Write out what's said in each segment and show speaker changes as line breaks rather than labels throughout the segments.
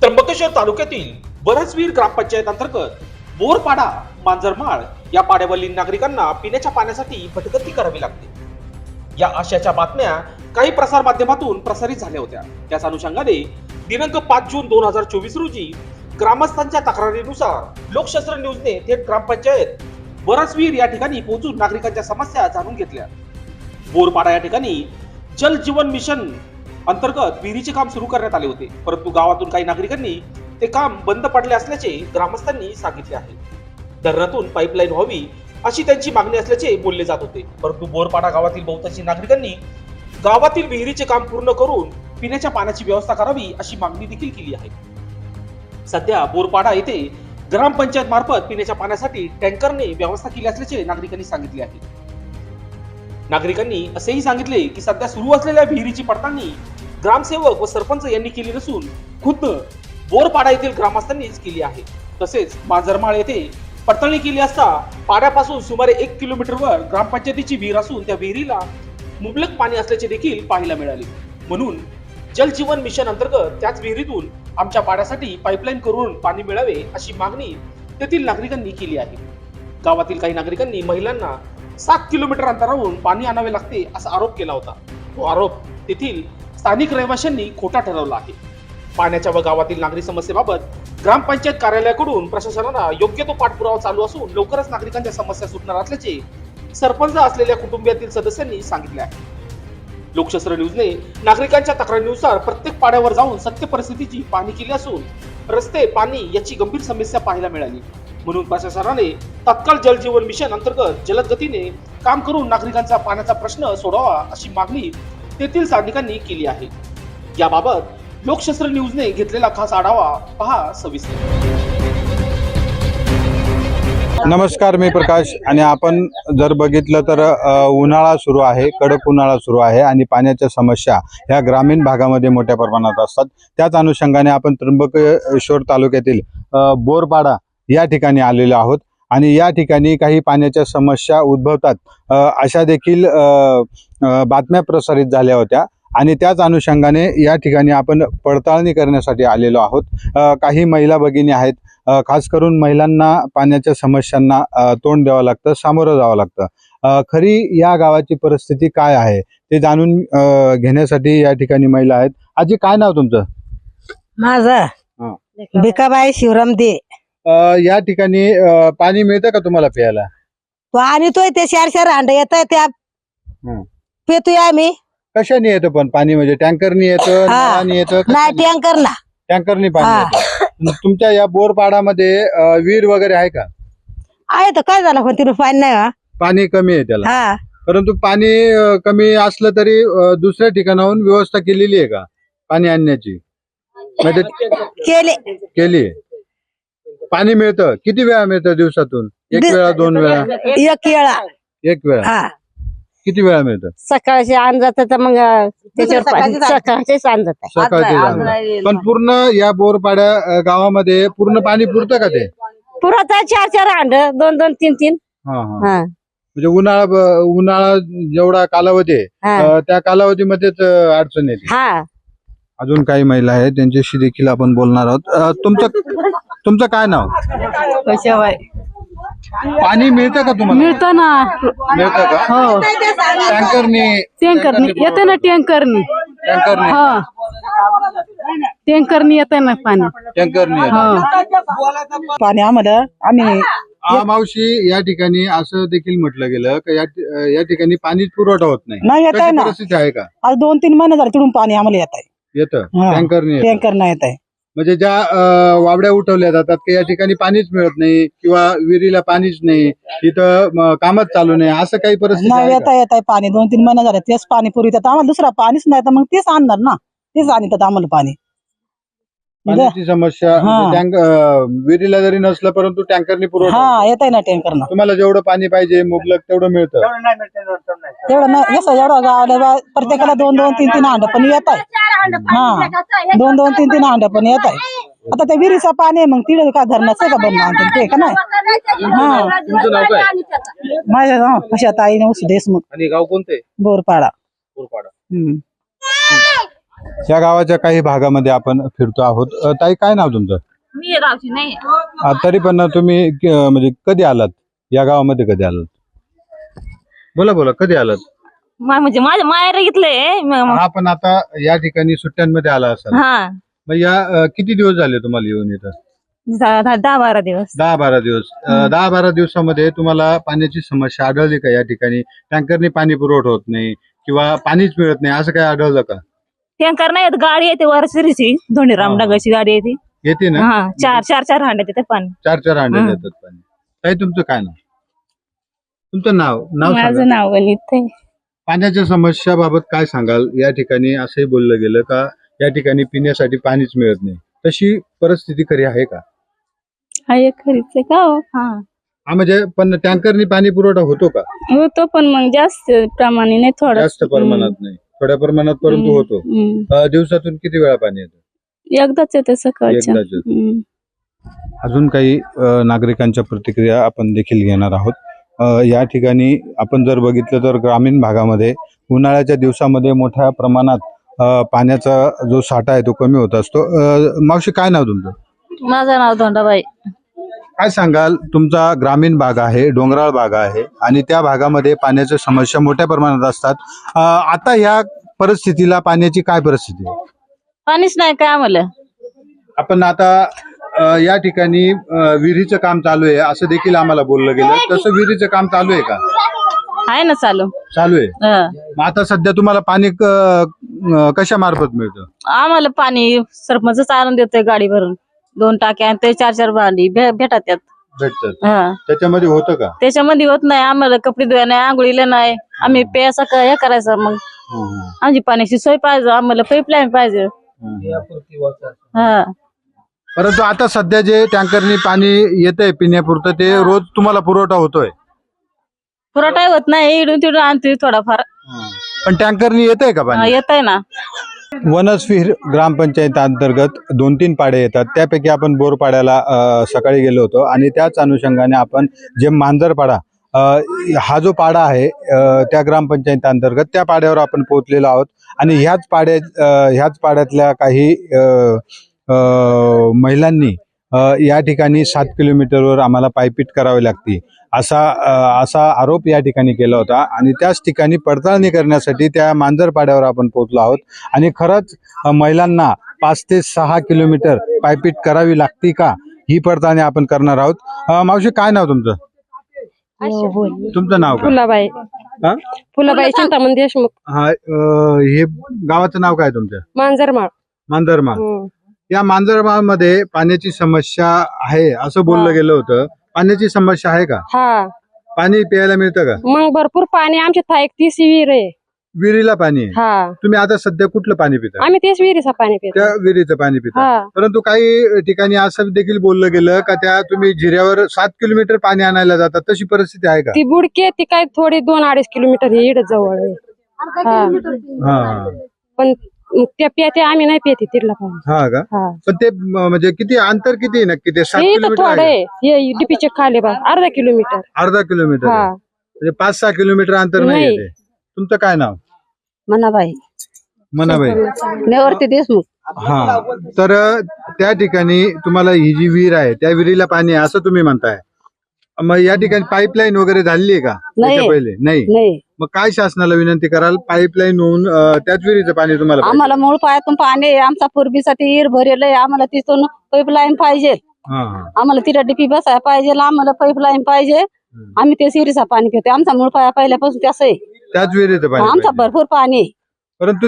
त्र्यंबकेश्वर तालुक्यातील बरसवीर ग्रामपंचायत अंतर्गत बोरपाडा मांजरमाळ या पाड्यावरील नागरिकांना पिण्याच्या पाण्यासाठी भटकंती करावी लागते. या आशयाच्या बातम्या काही प्रसार माध्यमातून प्रसारित झाल्या होत्या. त्याच अनुषंगाने दिनांक 5 जून 2024 रोजी ग्रामस्थांच्या तक्रारीनुसार लोकशास्त्र न्यूजने थेट ग्रामपंचायत बरसवीर या ठिकाणी पोहोचून नागरिकांच्या समस्या जाणून घेतल्या. बोरपाडा या ठिकाणी जल जीवन मिशन अंतर्गत विहिरीचे काम सुरू करण्यात आले होते, परंतु गावातून काही नागरिकांनी ते काम बंद पडले असल्याचे ग्रामस्थांनी सांगितले आहे. धरणातून पाईपलाईन व्हावी अशी त्यांची मागणी असल्याचे बोलले जात होते, परंतु बोरपाडा गावातील बहुतांशी नागरिकांनी गावातील विहिरीचे काम पूर्ण करून पिण्याच्या पाण्याची व्यवस्था करावी अशी मागणी देखील केली आहे. सध्या बोरपाडा येथे ग्रामपंचायत मार्फत पिण्याच्या पाण्यासाठी टँकरने व्यवस्था केली असल्याचे नागरिकांनी सांगितले आहे. नागरिकांनी असेही सांगितले की सध्या सुरू असलेल्या विहिरीची पडताळणी ग्रामसेवक व सरपंच यांनी केली नसून खुद्द बोरपाडा येथील ग्रामस्थांनीच केली आहे. तसेच मांजरमाळ येथे पडताळणी केली असता पाड्यापासून सुमारे 1 किलोमीटरवर ग्रामपंचायतीची विहीर असून त्या विहिरीला मुबलक पाणी असल्याचे देखील पाहायला मिळाले. म्हणून जल जीवन मिशन अंतर्गत त्याच विहिरीतून आमच्या पाड्यासाठी पाईपलाईन करून पाणी मिळावे अशी मागणी तेथील नागरिकांनी केली आहे. गावातील काही नागरिकांनी महिलांना 7 किलोमीटर अंतरावरून पाणी आणावे लागते असा आरोप केला होता. तो आरोप तेथील स्थानिक रहिवाशांनी खोटा ठरवला आहे. पाण्याच्या व गावातील नागरी समस्येबाबत ग्रामपंचायत कार्यालयाकडून प्रशासनाला योग्य तो पाठपुरावा चालू असून लवकरच नागरिकांच्या समस्या सुटणार असल्याचे सरपंच असलेल्या कुटुंबातील सदस्यांनी सांगितले आहे. लोकशास्त्र न्यूजने नागरिकांच्या तक्रारीनुसार प्रत्येक पाड्यावर जाऊन सत्य परिस्थितीची पाहणी केली असून रस्ते, पाणी याची गंभीर समस्या पाहायला मिळाली. म्हणून प्रशासनाने तात्काळ जल जीवन मिशन अंतर्गत जलद गतीने काम करून नागरिकांचा पाण्याचा प्रश्न सोडवावा अशी मागणी तेथील स्थानिकांनी केली आहे. याबाबत लोकशास्त्र न्यूजने घेतलेला खास आढावा पहा सविस्तर.
नमस्कार, मी प्रकाश आणि आपण जर बघितलं तर उन्हाळा सुरू आहे, कडक उन्हाळा सुरू आहे आणि पाण्याच्या समस्या ह्या ग्रामीण भागामध्ये मोठ्या प्रमाणात असतात. त्याच अनुषंगाने आपण त्र्यंबकेश्वर तालुक्यातील बोरपाडा या ठिकाणी आलेलो आहोत आणि या ठिकाणी काही पाण्याच्या समस्या उद्भवतात अशा देखील बातम्या प्रसारित झाल्या होत्या आणि त्याच अनुषंगाने या ठिकाणी आपण पडताळणी करण्यासाठी आलेलो आहोत. काही महिला भगिनी आहेत, खास करून महिलांना पाण्याच्या समस्यांना तोंड द्यावं लागतं, सामोरं जावं लागतं. खरी या गावाची परिस्थिती काय आहे ते जाणून घेण्यासाठी या ठिकाणी महिला आहेत. आजी, काय नाव तुमचं?
माझं भिकाबाई शिवराम दे.
या ठिकाणी पाणी मिळतं का तुम्हाला प्यायला?
तो आणतोय ते 4 हांड येत त्या पितोय आम्ही.
कशाने येतं पण पाणी? म्हणजे टँकरनी येतं, नळाने येतं?
नाही, टँकर ना.
टँकरनी पाणी येतं. तुमच्या या बोरपाडामध्ये विहीर वगैरे आहे का?
आहे तर काय झालं, पण तिथे पाणी नाही.
पाणी कमी आहे त्याला.
हा,
परंतु पाणी कमी असलं तरी दुसऱ्या ठिकाणाहून व्यवस्था केलेली आहे का पाणी आणण्याची? म्हणजे केली. पाणी मिळतं? किती वेळा मिळतं दिवसातून? 1 वेळा, 2 वेळा?
1 वेळा.
1 वेळा. किती वेळा मिळतं?
सकाळचे आण जात तर मग सकाळचेच आण जात.
सकाळचे. पण पूर्ण या बोरपाड्या गावामध्ये पूर्ण पाणी पुरतं का ते?
पुरत 4 हांड, 2-2, 3-3.
म्हणजे उन्हाळा जेवढा कालावधी आहे त्या कालावधीमध्येच अडचण येते. अजून काही महिला आहेत, त्यांच्याशी देखील आपण बोलणार आहोत. तुमचं काय नाव? पाणी मिळतं का तुम्हाला?
मिळतं ना.
मिळतं का?
हो.
टँकरनी
येते ना. टँकरनी हो, टँकरनी येते ना पाणी.
टँकरनी
पाणी आम्हाला
मावशी, या ठिकाणी असं देखील म्हटलं गेलं की या ठिकाणी पाणी पुरवठा होत नाही.
येत आहे ना.
परिस्थिती आहे का?
आज 2-3 महिने झाले तिकडून पाणी आम्हाला येत आहे.
येतं टँकरनी?
टँकर नाही येत आहे.
म्हणजे ज्या वावड्या उठवल्या जातात की या ठिकाणी पाणीच मिळत नाही किंवा विहिरीला पाणीच नाही, इथं कामच चालू नाही, असं काही परिस्थिती
नाही.
आहे
येत
का?
आहे पाणी 2-3 महिने झाले तेच पाणी पुरवितात आम्हाला. दुसरा पाणीच नाही तर मग तेच आणणार ना, तेच आणतात आम्हाला पाणी.
पाण्याची समस्या विहिरीला जरी नसलं परंतु टँकरनी पुरवठा
येत आहे ना टँकरनं.
तुम्हाला जेवढं पाणी पाहिजे मुबलक तेवढं मिळतं?
तेवढं नाही. जसं एवढं गावाला प्रत्येकाला 2-2, 3-3 हांड पण येत आहे. 2-2, 3-3 हांड पण येत आहे. आता त्या विहिरीचं पाणी आहे, मग तिथे काय धरणाचं का बनणं आणते ते का नाही.
तुमचं नाव काय?
माझं नाव कशात आई देशमुख.
आणि गाव कोणते?
बोरपाडा.
बोरपाडा.
या गावाच्या काही भागामध्ये आपण फिरतो आहोत. ताई, काय नाव तुमचं?
मी गावची नाही.
तरी पण तुम्ही म्हणजे कधी आलात या गावामध्ये? कधी आलात? बोला बोला, कधी आलात?
म्हणजे माझ्या माहेर घेतलंय.
हा, पण आता या ठिकाणी सुट्ट्यांमध्ये आला असाल.
हा,
मग या किती दिवस झाले तुम्हाला येऊन इथं?
10-12 दिवस.
10-12 दिवस. 10-12 दिवसामध्ये तुम्हाला पाण्याची समस्या आढळली का? या ठिकाणी टँकरने पाणी पुरवठा होत नाही किंवा पाणीच मिळत नाही असं काय आढळलं का?
टँकर नाही येत, गाडी येते वरसरीची, धोंडीराम डागाची गाडी येते.
येते ना?
हा, चार हांडे येते पाणी.
4 हांडे देतात पाणी. ताई, तुमचं काय नाव? तुमचं नाव सांगा.
माझं नाव वनिता आहे.
पाण्याच्या समस्याबाबत काय सांगाल? या ठिकाणी असंही बोललं गेलं का या ठिकाणी पिण्यासाठी पाणीच मिळत नाही, तशी परिस्थिती खरी आहे का?
आहे खरीच आहे का हो?
हा, म्हणजे पण टँकरनी पाणी पुरवठा होतो का?
होतो पण मग जास्त प्रमाणे नाही, थोडं
जास्त प्रमाणात नाही, थोड्या प्रमाणात परंतु होतो. दिवसातून किती वेळा पाणी येतं?
एकदाच येते सकाळच्या.
एकदाच येतं. अजून काही नागरिकांच्या प्रतिक्रिया आपण देखील घेणार आहोत. या ठिकाणी आपण जर बघितलं तर ग्रामीण भागामध्ये उन्हाळ्याच्या दिवसामध्ये मोठ्या प्रमाणात पाण्याचा जो साठा आहे तो कमी होत असतो. मावशी, काय नाव तुमचं?
माझं नाव धोंडाबाई.
काय सांगाल? तुमचा ग्रामीण भाग आहे, डोंगराळ भाग आहे आणि त्या भागामध्ये पाण्याच्या समस्या मोठ्या प्रमाणात असतात. आता ह्या परिस्थितीला पाण्याची काय परिस्थिती आहे?
पाणीच नाही काय आम्हाला.
आपण आता या ठिकाणी विहिरीचं काम चालू आहे असं देखील आम्हाला बोललं गेलं. तसं विहिरीचं काम चालू आहे का?
आहे ना चालू.
चालू आहे. मग आता सध्या तुम्हाला पाणी कशा मार्फत मिळतं?
आम्हाला पाणी सरपंच चालून देतोय गाडी भरून. 2 टाक्या आणि ते 4 भांडी भेटतात त्यात.
भेटतात.
हा,
त्याच्यामध्ये होतं का?
त्याच्यामध्ये होत नाही आम्हाला. कपडे धुवायला नाही, आंघोळीला नाही. आम्ही प्यायचा हे करायचं. मग आमची पाण्याची सोय पाहिजे, आम्हाला पाईपलाईन पाहिजे. हा,
परंतु आता सध्या जे टँकरनी पाणी येतंय पिण्यापुरतं ते रोज तुम्हाला पुरवठा होतोय?
पुरवठा होत नाही, इडून तिडून आणतोय थोडाफार.
पण टँकरनी येतंय का पाणी?
येत आहे ना.
वनस्विहीर ग्रामपंचायत अंतर्गत 2-3 पाडे येतात. त्यापैकी आपण बोरपाड्याला सकाळी गेलो होतो आणि त्याच अनुषंगाने आपण जे मांजरपाडा हा जो पाडा आहे त्या ग्रामपंचायत अंतर्गत त्या पाड्यावर आपण पोहोचलेलो आहोत. आणि ह्याच पाड्यातल्या काही महिलांनी या ठिकाणी 7 किलोमीटरवर आम्हाला पायपीट करावी लागते असा आरोप या ठिकाणी केला होता. आणि त्याच ठिकाणी पडताळणी करण्यासाठी त्या मांजरपाड्यावर आपण पोहोचलो आहोत. आणि खरंच महिलांना 5 ते 6 किलोमीटर पायपीट करावी लागते का, ही पडताळणी आपण करणार आहोत. मावशी, काय नाव तुमचं? तुमचं नाव का?
फुलाबाई.
हा?
फुलाबाई चिंतामण देशमुख.
हा, हे गावाचं नाव काय तुमचं?
मांजरमाळ.
मांजरमाळ. या मांजरमाळ मध्ये पाण्याची समस्या आहे असं बोललं गेलं होतं. पाण्याची समस्या आहे का?
हा,
पाणी प्यायला मिळतं का?
मग भरपूर पाणी. आमच्या था 31 विहीर आहे.
विहिरीला पाणी आहे.
हा,
तुम्ही आता सध्या कुठलं पाणी पिता?
आम्ही तेच विहिरीचं पाणी पितो.
त्या विहिरीचं पाणी पिता.
हा,
परंतु काही ठिकाणी असं देखील बोललं गेलं का त्या तुम्ही जिऱ्यावर 7 किलोमीटर पाणी आणायला जातात, तशी परिस्थिती आहे का?
ती बुडकी ती काय थोडी 2-2.5 किलोमीटर हे इकडे जवळ आहे. हा,
हा,
पण त्या पिते आम्ही नाही पिते तिथला पाणी.
हा का?
हा,
पण ते म्हणजे किती अंतर किती आहे नक्की ते? 7
हे तर
किलोमीटर
थोडं
आहे?
आहे. हे डीपीचे खाली बा अर्धा किलोमीटर.
अर्धा किलोमीटर
हा,
आहे. म्हणजे 5-6 किलोमीटर अंतर नाही
नाही.
आहे ते. तुमचं काय नाव?
मनाबाई.
मनाबाई.
नेवरती देशमुख.
हा, तर त्या ठिकाणी तुम्हाला ही जी विहीर आहे त्या विहिरीला पाणी आहे असं तुम्ही म्हणताय. मग या ठिकाणी पाईपलाईन वगैरे झाली आहे का
नाही.
त्याच्या पहिले? नाही.
नाही,
मग काय शासनाला विनंती कराल? पाईपलाईन होऊन त्याच विहिरीचं पाणी तुम्हाला पाहिजे?
आम्हाला मूळ पायातून पाणी आहे. आमचा पूर्वीसाठी विहीर भरेल आहे. आम्हाला तिथून पाईपलाईन पाहिजे.
हा,
आम्हाला तिला डीपी बसायला पाहिजे. आम्हाला पाईपलाईन पाहिजे. आम्ही ते विहिरीचा पाणी पितो. आमचा मूळ पाया पहिल्यापासून त्याच आहे.
त्याच विहिरीचं पाणी
आमचा
पाहिजे.
भरपूर पाणी आहे.
परंतु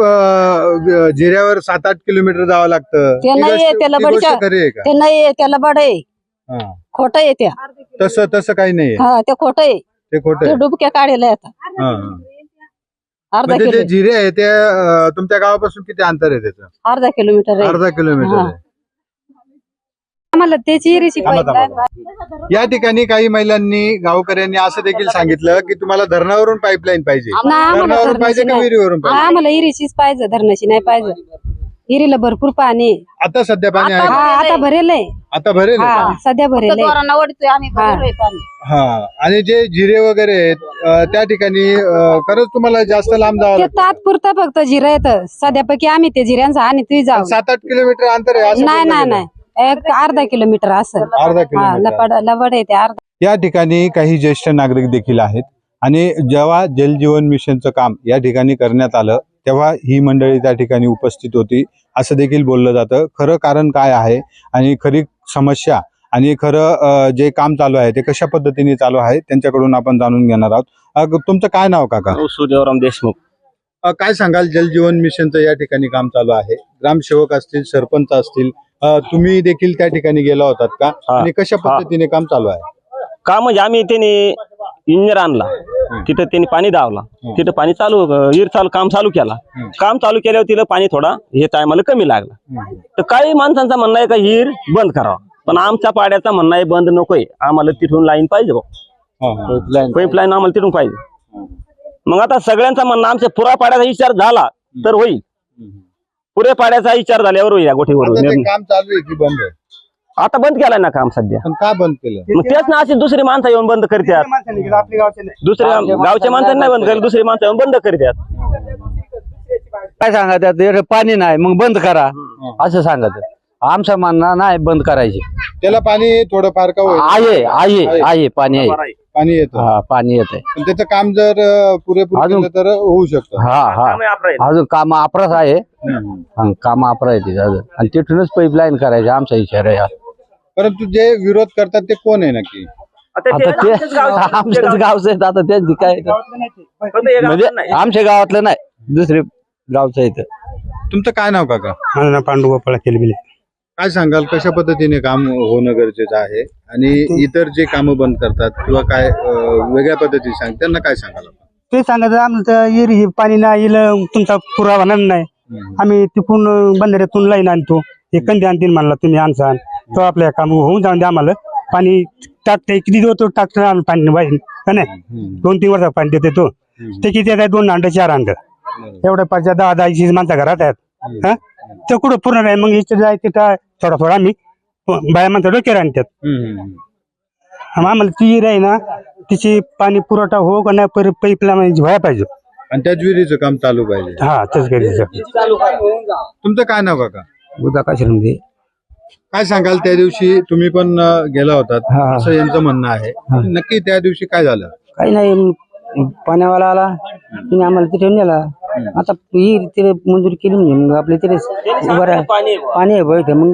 ते जिऱ्यावर 7-8 किलोमीटर जावं लागतं.
ते
ती
नाहीये,
गोष्ट-
त्याला
ती गोष्ट
बडीच्या-
खरी आहे का?
ते नाही, त्याला बड आहे.
हा.
खोटं आहे त्या.
तसं काही नाहीये.
हा, ते खोटं आहे.
ते खोटं
ते
आहे.
डुबक्या काढायला येतात.
हा, हा.
अर्धा
म्हणजे
किलो
जे जिरे आहे ते तुमच्या गावापासून किती अंतर आहे त्याचं?
अर्धा किलोमीटर आहे.
अर्धा किलोमीटर
हा.
आहे.
आम्हाला त्याची विहिरीची
थांबा, थांबा. या ठिकाणी काही महिलांनी गावकऱ्यांनी असं देखील सांगितलं की तुम्हाला धरणावरून पाईपलाईन पाहिजे. धरणावरून पाहिजे का विहिरीवरून पाहिजे?
आम्हाला विहिरीचीच पाहिजे, धरणाची नाही पाहिजे. विहिरीला भरपूर पाणी आहे.
आता सध्या पाणी आहे
हा
का?
आता भरेल आहे.
आता भरेल आहे
हा
पाणी?
सध्या भरेल आहे.
दोरांना ओढतोय आम्ही
हा.
भरलोय पाणी.
हा आणि जे जिरे वगैरे आहेत त्या ठिकाणी खरंच तुम्हाला जास्त लांब जावं
ते
लागतं.
तात्पुरतं फक्त जिरं येतं सध्यापैकी आम्ही ते जिऱ्यांचा आणि तुम्ही जाऊ
7-8 किलोमीटर अंतर आहे असं
नाही
बोललं
नाही
गेलं.
नाही एक अर्धा किलोमीटर असं
अर्धा
हा
किलोमीटर.
लबड आहे ते अर्धा.
या ठिकाणी काही ज्येष्ठ नागरिक देखील आहेत आणि जेव्हा जल जीवन मिशनचं काम या ठिकाणी करण्यात आलं तेव्हा ही मंडळी त्या ठिकाणी उपस्थित होती असं देखील बोललं जातं. खरं कारण काय आहे आणि खरी समस्या आणि खरं जे काम चालू आहे ते कशा पद्धतीने चालू आहे त्यांच्याकडून आपण जाणून घेणार आहोत. तुमचं काय नाव काका?
सूर्यवराम देशमुख.
काय सांगाल जल जीवन मिशनचं या ठिकाणी काम चालू आहे, ग्रामसेवक असतील, सरपंच असतील, तुम्ही देखील त्या ठिकाणी गेला होतात का
हा.
आणि कशा पद्धतीने काम चालू आहे?
का म्हणजे आम्ही त्याने इंजिनियर आणला, तिथं त्यांनी पाणी दावला, तिथं पाणी चालू विहीर चालू काम चालू केला. काम चालू केल्यावर तिला पाणी थोडा हे टायमाला कमी लागला. तर काही माणसांचं म्हणणं आहे का विहीर बंद करावा, पण आमच्या पाड्याचा म्हणणं आहे बंद नकोय, आम्हाला तिथून लाईन पाहिजे, पाईपलाईन आम्हाला तिथून पाहिजे. मग आता सगळ्यांचा म्हणणं आमच्या पुरा पाड्याचा विचार झाला तर होईल, पुरे पाड्याचा विचार झाल्यावर होईल या गोष्टीवर.
आता ते काम चालू आहे की बंद आहे?
आता बंद केलाय ना काम सध्या.
पण का बंद केलं?
मग तेच ना अशी दुसरी माणसं येऊन बंद करतात, दुसऱ्या गावच्या माणसांनी नाही बंद केलं, दुसरी माणसं येऊन बंद करतात.
काय सांगतात पाणी नाही मग बंद करा असं सांगत. आमचं म्हणणं नाही बंद करायची.
त्याला पाणी थोडंफार का होईल?
आहे पाणी आहे,
पाणी येतं,
हा पाणी येत आहे.
पण त्याचं काम जर पुरेपूर
अजून-
केलं तर होऊ शकतं.
हा अजून काम अपरास आहे, काम अपरा आहे तिथं अजून. आणि तिथूनच पाईपलाईन करायची आमचा विचार आहे.
परंतु जे विरोध करतात ते कोण आहे नक्की?
आता ते आमच्याच गावचं आहे, आता त्यांची काय म्हणजे आमच्या गावातलं नाही, दुसरे गावचं आहे.
तुमचं काय नाव काका?
माझं नाव पांडू गोपाळ केलबिले.
काय सांगाल कशा पद्धतीने काम होणं गरजेचं आहे आणि इतर जे कामं बंद करतात किंवा काय वेगळ्या पद्धतीने सांग त्यांना काय सांगाल?
ते सांगायचं आमचं येरी पाणी नाही येईल, तुमचा पुरावा नाही. आम्ही तिकून बंधाऱ्यातून लाईन आणतो, हे कंदी आणतील म्हणला तुम्ही आणसान तो आपल्या काम होऊन जाऊन द्या. आम्हाला पाणी टाकते किती देतो टाकतो आम्ही पाणी वाईन का नाही, 2-3 वर्ष पाणी देते तो. ते किती आहे 2 अंड 4 अंड एवढ्या पाच 10-10 माणसं घरात आहेत. ते कुठं पूर्ण नाही, मग इथे जाय तिथं थोडा आम्ही बाया माणसं डोक्यावर आणतात. आम्हाला ती विहीर आहे ना तिची पाणी पुरवठा हो का नाही पाईपलाईन व्हायला पाहिजे
आणि त्याच विहिरीचं काम चालू पाहिजे.
हा तेच गरजेचं.
तुमचं काय नाव काका?
उदा का शिंदे.
काय सांगाल त्या दिवशी तुम्ही पण गेला होतात असं यांचं म्हणणं आहे, नक्की त्या दिवशी काय झालं?
काही नाही, पाण्यावाला आला तिने आम्हाला तिथे नेला. आता ही तिथे मंजुरी केली म्हणजे मग आपल्या तिथे बरं पाणी आहे बघ. मग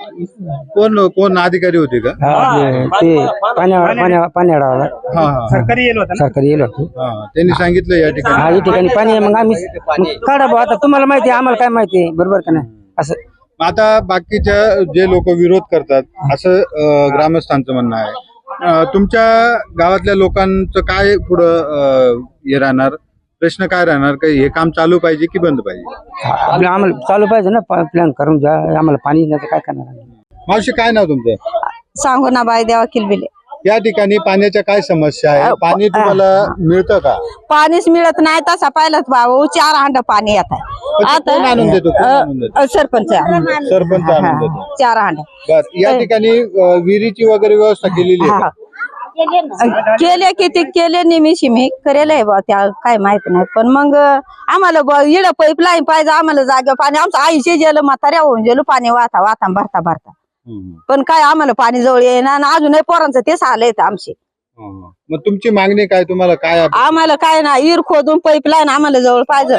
कोण अधिकारी होते का?
ते पाण्यावाला
हा हा
सरकारी येईल होता
सरकारी येलो होतो.
हा त्यांनी सांगितलं या ठिकाणी.
हा या ठिकाणी पाणी आहे, मग आम्ही मग काढा बा. आता तुम्हाला माहिती आहे, आम्हाला काय माहिती आहे, बरोबर का नाही असं.
आता बाकीच्या जे लोक विरोध करतात असं ग्रामस्थांचं म्हणणं आहे. तुमच्या गावातल्या लोकांचं काय पुढं हे राहणार, प्रश्न काय राहणार, का हे काम चालू पाहिजे की बंद पाहिजे?
आपलं आम्हाला चालू पाहिजे ना, प्लॅन करून जा. आम्हाला पाणी नाही तर काय करणार.
मावशी काय नाव तुमचं?
सांगू ना बाई देवा किलबिले.
या ठिकाणी पाण्याच्या काय समस्या आहे? पाणी तुम्हाला मिळतं का?
पाणीच मिळत नाही तसा पाहिलं भाऊ 4 अंड पाणी येत आहे.
कोण आणून देतो? कोण आणून देतो?
सरपंच
सरपंच आणून देतो.
4 अंड
बर, या ठिकाणी विहिरीची वगैरे व्यवस्था केलेली आहे का?
केले किती केले निमिषी मी करेल आहे बा, त्या काय माहित नाही. पण मग आम्हाला इड पाईपलाईन पाहिजे, आम्हाला जागा पाणी. आमचं आईशी गेलं म्हाताऱ्या होऊन गेलो पाणी वाता वाता भरता. पण काय आम्हाला पाणी जवळ येईना आणि अजूनही पोरांचं तेच आलंय आमची.
मग तुमची मागणी काय? तुम्हाला काय
आम्हाला काय ना इर खोदून पाईपलाईन आम्हाला जवळ पाहिजे.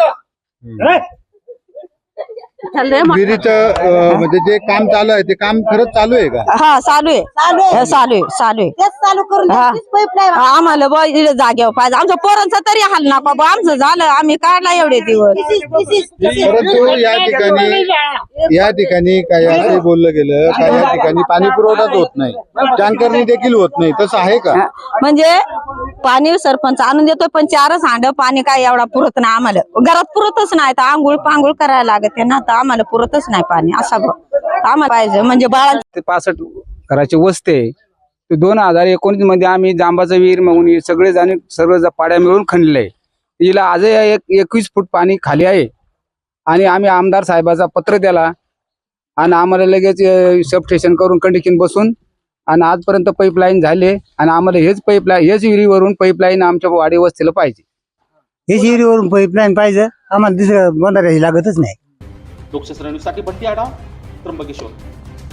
विहिरीचं म्हणजे जे काम चालू आहे ते काम खरंच चालू आहे का?
हा चालू आहे. आम्हाला बा इकडे जागेवर पाहिजे. आमच्या पोरांचं तरी हाल नका बा, आमचं झालं आम्ही काढला एवढे दिवस.
परंतु या ठिकाणी काय असं बोललं गेलं का या ठिकाणी पाणी पुरवठाच होत नाही, टँकरनी देखील होत नाही, तसं आहे का?
म्हणजे पाणी सरपंच आणून देतो, पण 4 हांड पाणी काय एवढा पुरत नाही आम्हाला. घरात पुरतच नाही, तर आंघोळ पांघोळ करायला लागते ना, तर आम्हाला पुरतच नाही पाणी. असा आम्हाला पाहिजे म्हणजे बाळा.
65 घराची वस्ती आहे. 2019 मध्ये आम्ही जांबाचा विहीर म्हणून सगळे जण सर्व पाड्या मिळून खणलंय. तिला आजही 21 फूट पाणी खाली आहे आणि आम्ही आमदार साहेबाचा पत्र दिला आणि आम्हाला लगेच सबस्टेशन करून कंडिशन बसून आणि आजपर्यंत पाईपलाईन झाले आणि आम्हाला हेच विहिरीवरून पाईपलाईन आमच्या वाडी वस्तीला पाहिजे.
हेच विहिरीवरून पाईपलाईन पाहिजे आम्हाला दुसरं बंधाऱ्याची लागतच नाही.
लोकशास्त्र न्यूजसाठी बंटी आढाव, त्र्यंबकेश्वर.